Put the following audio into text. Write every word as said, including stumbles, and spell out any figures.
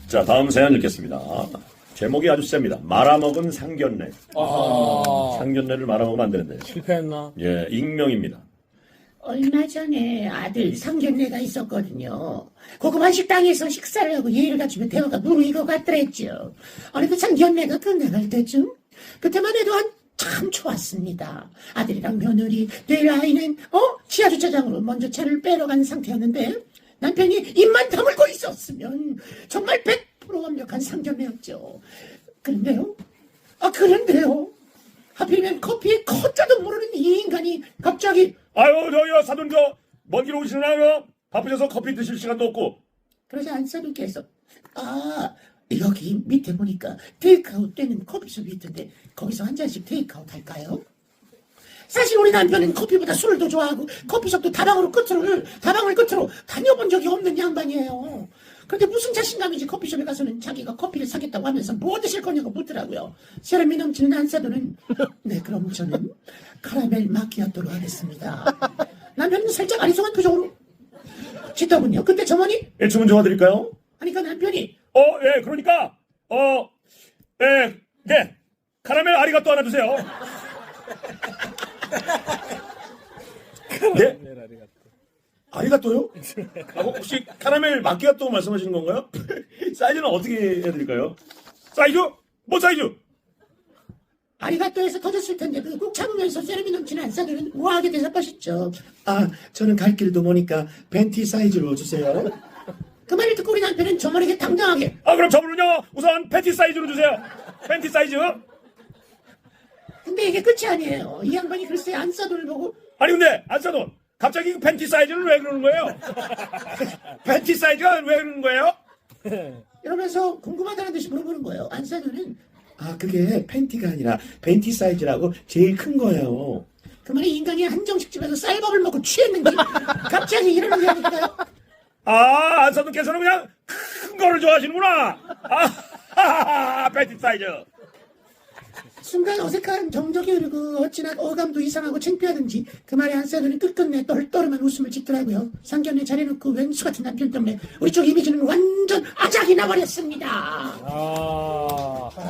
자, 다음 사연 읽겠습니다. 제목이 아주 셉니다. 말아먹은 상견례. 아, 상견례를 말아먹으면 안 되는데. 실패했나? 예, 익명입니다. 얼마 전에 아들 상견례가 있었거든요. 고급한 식당에서 식사를 하고 예의를 갖추며 대화가 무르익어갔더랬죠. 어느 그 상견례가 끝나갈 때쯤 그때만 해도 한참 좋았습니다. 아들이랑 며느리, 될 아이는 어 지하 주차장으로 먼저 차를 빼러 간 상태였는데 남편이 입만 다물고 있었으면 정말 백 퍼센트 완벽한 상견례였죠. 그런데요, 아 그런데요, 하필이면 커피에 커자도 모르는 이 인간이 갑자기 아유, 저기요, 사돈, 저, 먼 길 오시나요? 바쁘셔서 커피 드실 시간도 없고. 그러자 안사님께서 아 여기 밑에 보니까 테이크아웃 되는 커피숍이 있던데 거기서 한 잔씩 테이크아웃 할까요? 사실 우리 남편은 커피보다 술을 더 좋아하고 커피숍도 다방으로 끝으로 다방을 끝으로 다녀본 적이 없는 양반이에요. 그런데 무슨 자신감인지 커피숍에 가서는 자기가 커피를 사겠다고 하면서 뭐 드실 거냐고 묻더라고요. 사람이 넘치는 안사돈은 네 그럼 저는 카라멜 마키아토로 하겠습니다. 남편은 살짝 아리송한 표정으로 짓더군요. 근데 저머니 예, 주문 도와드릴까요? 하니까 남편이 어, 예, 그러니까, 어, 예, 네. 카라멜 아리가또 하나 주세요. 네? 아리가또요? 아, 혹시 카라멜 마키아또 말씀하시는 건가요? 사이즈는 어떻게 해드릴까요? 사이즈? 뭐 사이즈? 아리가또에서 터졌을 텐데 그 꾹 참으면서 세련미 넘치는 안사들은 우아하게 대답하셨죠. 아 저는 갈 길도 모니까 벤티 사이즈로 주세요. 그 말을 듣고 우리 남편은 저머리게 당당하게 아, 그럼 저분은요, 우선 팬티 사이즈로 주세요. 팬티 사이즈. 근데 이게 끝이 아니에요. 이 양반이 글쎄 안사돈을 보고 아니, 근데, 안사돈, 갑자기 그 팬티 사이즈는 왜 그러는 거예요? 팬티 사이즈가 왜 그러는 거예요? 이러면서 궁금하다는 듯이 물어보는 거예요. 안사돈은 아 그게 팬티가 아니라 벤티 사이즈라고 제일 큰 거예요. 그 말에 인간이 한정식집에서 쌀밥을 먹고 취했는지 갑자기 이러는 게 아닐까요? 아, 안사돈께서는 그냥 큰 거를 좋아하시는구나. 아, 팬티 사이즈. 순간 어색한 정적이 흐르고 어찌나 어감도 이상하고 창피하든지 그 말에 안사돈이 끝끝내 떨떠름한 웃음을 짓더라고요. 상견례 잘해놓고 왼수 같은 남편 때문에 우리 쪽 이미지는 완전 아작이 나버렸습니다. 아.